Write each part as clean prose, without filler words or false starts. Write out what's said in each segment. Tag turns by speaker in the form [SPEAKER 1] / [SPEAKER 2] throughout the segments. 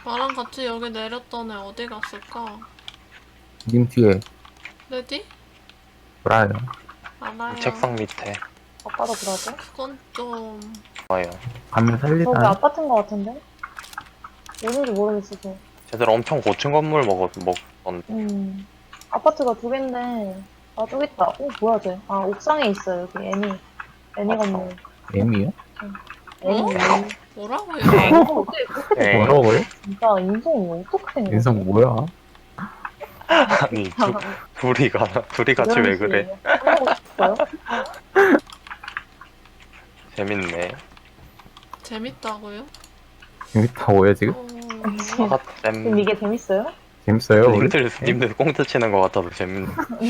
[SPEAKER 1] 나랑 같이 여기 내렸던 애 어디 갔을까?
[SPEAKER 2] 님 뒤에
[SPEAKER 1] 레디?
[SPEAKER 2] 브라요.
[SPEAKER 1] 알아요.
[SPEAKER 3] 책상 밑에
[SPEAKER 4] 아빠도 그러고?
[SPEAKER 1] 그건 좀...
[SPEAKER 3] 와요.
[SPEAKER 2] 가면
[SPEAKER 4] 저기
[SPEAKER 2] 살리나요?
[SPEAKER 4] 아파트인 것 같은데? 어딘지 모르겠어서.
[SPEAKER 3] 쟤들 엄청 고층 건물 먹었던데.
[SPEAKER 4] 아파트가 두 갠데, 아, 저기 있다. 뭐야, 쟤. 아, 옥상에 있어요, 여기. 애니 건물.
[SPEAKER 2] M이요?
[SPEAKER 4] 애니.
[SPEAKER 1] 뭐라고요?
[SPEAKER 4] 인성 어떻게 그렇게
[SPEAKER 3] 에이.
[SPEAKER 2] 뭐라고요?
[SPEAKER 4] 진짜 인성이 어떻게 생겼어?
[SPEAKER 2] 인성 뭐야?
[SPEAKER 3] 아니 둘이 같이 왜 그래?
[SPEAKER 4] 하고 싶어요?
[SPEAKER 3] 재밌네.
[SPEAKER 1] 재밌다고요?
[SPEAKER 2] 재밌다고요 지금?
[SPEAKER 4] 그럼
[SPEAKER 3] 아쌤
[SPEAKER 4] 이게 재밌어요?
[SPEAKER 2] 재밌어요 우리?
[SPEAKER 3] 님들 꽁트 치는 것 같아서 재밌네.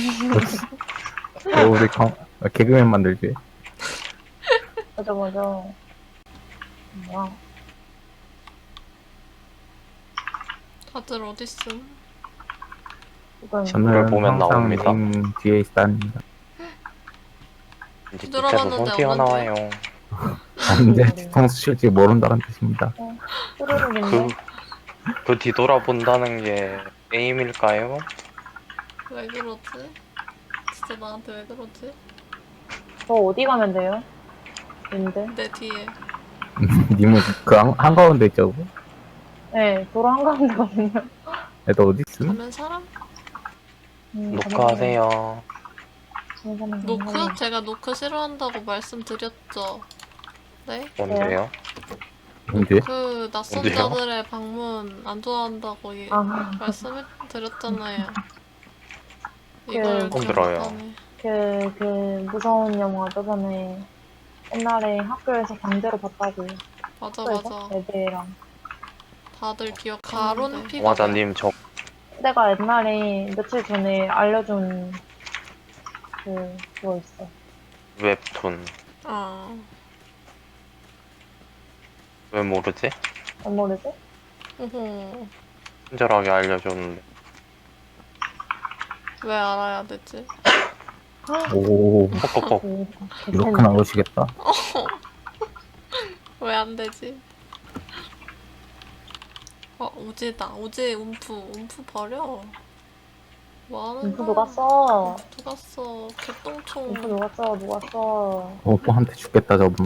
[SPEAKER 2] 우리 개그맨 만들지.
[SPEAKER 4] 맞아, 맞아. 뭐야.
[SPEAKER 1] 다들 어딨음?
[SPEAKER 4] 이건
[SPEAKER 2] 저는
[SPEAKER 3] 그걸 보면
[SPEAKER 2] 항상
[SPEAKER 3] 나옵니다.
[SPEAKER 2] 님 뒤에 있답니다.
[SPEAKER 3] 이제
[SPEAKER 1] 들어봤는데
[SPEAKER 3] 밑에서 손 튀어나와요.
[SPEAKER 2] 언제 뒤통수 칠지 모른다는 뜻입니다.
[SPEAKER 4] 뚜루룩인데?
[SPEAKER 3] 그 뒤돌아본다는 게 게임일까요?
[SPEAKER 1] 왜 그러지? 진짜 나한테 왜 그러지?
[SPEAKER 4] 저 어디 가면 돼요? 님들?
[SPEAKER 1] 내 뒤에.
[SPEAKER 2] 님은 그 한가운데 있죠?
[SPEAKER 4] 네, 도로 한가운데거든요.
[SPEAKER 2] 애들 어디 있음?
[SPEAKER 1] 가면 사람?
[SPEAKER 3] 녹화하세요.
[SPEAKER 1] 노크? 제가 노크 싫어한다고 말씀드렸죠. 네?
[SPEAKER 3] 뭔데요?
[SPEAKER 2] 언제?
[SPEAKER 1] 그 낯선
[SPEAKER 3] 어디요?
[SPEAKER 1] 자들의 방문 안 좋아한다고
[SPEAKER 4] 아,
[SPEAKER 1] 말씀드렸잖아요.
[SPEAKER 4] 그-
[SPEAKER 1] 이걸
[SPEAKER 3] 처음
[SPEAKER 1] 기억
[SPEAKER 3] 들어요.
[SPEAKER 1] 못하네.
[SPEAKER 4] 그 무서운 영화 저번에 옛날에 학교에서 강제로 봤다고.
[SPEAKER 1] 맞아
[SPEAKER 4] 학교에서?
[SPEAKER 1] 맞아.
[SPEAKER 4] 애들이랑.
[SPEAKER 1] 다들 기억. 가론 피가.
[SPEAKER 3] 맞아님 저
[SPEAKER 4] 내가 옛날에 며칠 전에 알려준 그거 있어.
[SPEAKER 3] 웹툰
[SPEAKER 1] 아,
[SPEAKER 3] 왜 모르지?
[SPEAKER 4] 안 모르지?
[SPEAKER 1] 어허.
[SPEAKER 3] 친절하게 알려줬는데
[SPEAKER 1] 왜 알아야 되지?
[SPEAKER 2] 오
[SPEAKER 3] 퍽퍽퍽.
[SPEAKER 2] 이렇게 나오시겠다.
[SPEAKER 1] 왜 안 되지? 우지다. 우지 움프 버려. 뭐 하는
[SPEAKER 4] 인프
[SPEAKER 1] 거야?
[SPEAKER 4] 누가 써?
[SPEAKER 1] 누가 써? 개똥총.
[SPEAKER 4] 인프 누가 써? 누가 써?
[SPEAKER 2] 오빠한테 죽겠다 저분.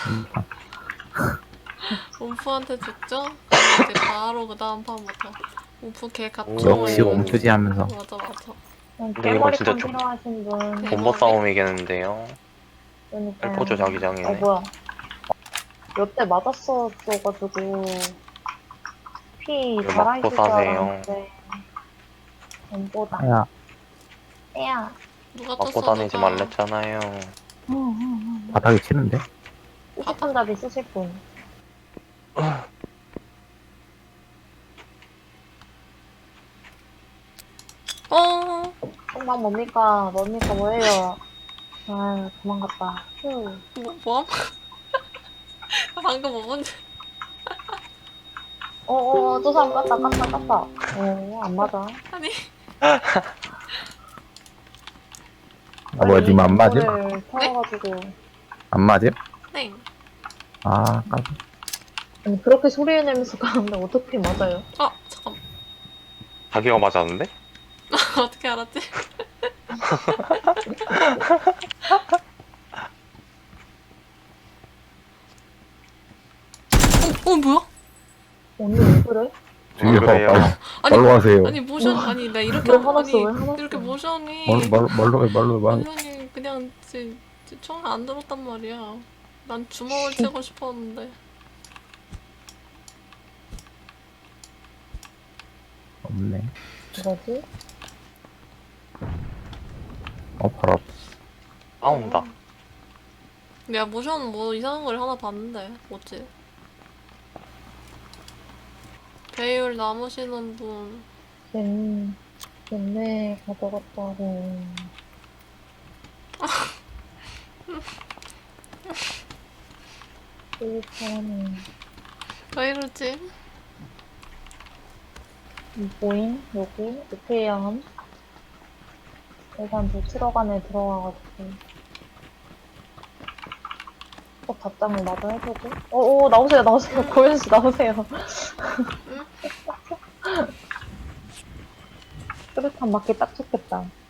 [SPEAKER 1] 움프한테 죽죠? 그럼 이제 바로 그 다음 판부터 움프 개 같죠?
[SPEAKER 2] 역시 멈추지 하면서.
[SPEAKER 1] 맞아 맞아.
[SPEAKER 3] 이거
[SPEAKER 4] 깨머리판
[SPEAKER 3] 진짜 좀-
[SPEAKER 4] 필요하신 분.
[SPEAKER 1] 네.
[SPEAKER 3] 본버 싸움이겠는데요.
[SPEAKER 4] 그러니까.
[SPEAKER 3] 헬포조 자기장이네.
[SPEAKER 4] 뭐야. 몇 대 맞았었어가지고 피
[SPEAKER 3] 왜
[SPEAKER 4] 달아있을
[SPEAKER 3] 맞고
[SPEAKER 4] 줄
[SPEAKER 3] 싸세요?
[SPEAKER 4] 알았는데 전보다.
[SPEAKER 2] 야
[SPEAKER 4] 애야.
[SPEAKER 1] 누가
[SPEAKER 3] 맞고
[SPEAKER 1] 떴어
[SPEAKER 3] 다니지
[SPEAKER 1] 누가?
[SPEAKER 3] 말랬잖아요.
[SPEAKER 2] 바닥에 치는데?
[SPEAKER 4] 수십판잡이 쓰실 분.
[SPEAKER 1] 어.
[SPEAKER 4] 정말 뭡니까? 뭡니까? 뭐예요? 아, 도망갔다. 휴.
[SPEAKER 1] 뭐함? 방금 뭐 뭔데?
[SPEAKER 4] 저 사람 깠다. 안 맞아.
[SPEAKER 1] 아니
[SPEAKER 2] 아 뭐야 님 안 맞음?
[SPEAKER 4] 이거를 태워가지고.
[SPEAKER 2] 안 맞음?
[SPEAKER 1] 네.
[SPEAKER 2] 아 까비.
[SPEAKER 4] 아니, 그렇게 소리 내면서 가는데 어떻게 맞아요?
[SPEAKER 1] 잠깐.
[SPEAKER 3] 자기가 맞았는데?
[SPEAKER 1] 어떻게 알았지? 뭐야?
[SPEAKER 4] 언니 왜 그래?
[SPEAKER 2] 저기
[SPEAKER 3] 그래요?
[SPEAKER 1] 아니
[SPEAKER 2] 말로 하세요.
[SPEAKER 1] 아니 모션 아니 나 이렇게
[SPEAKER 4] 왜 화났어?
[SPEAKER 1] 아니
[SPEAKER 4] 왜 화났어?
[SPEAKER 1] 이렇게 모션이
[SPEAKER 2] 말로 해.
[SPEAKER 1] 모션이 그냥 총 안 들었단 말이야. 난 주먹을 치고 싶었는데.
[SPEAKER 2] 없네.
[SPEAKER 4] 뭐지?
[SPEAKER 2] 바로 앞.
[SPEAKER 3] 싸운다.
[SPEAKER 1] 야 모션 뭐 이상한 걸 하나 봤는데 뭐지? 배율 남으시는 분.
[SPEAKER 4] 걔네 가져갔다고. 일단은
[SPEAKER 1] 왜 이러지?
[SPEAKER 4] 보임? 여기? 오케이함? 일단 저 트럭 안에 들어가가지고 꼭 답장을 마저 해주고 나오세요 고현씨 나오세요. 수류탄 맞기 딱 좋겠다.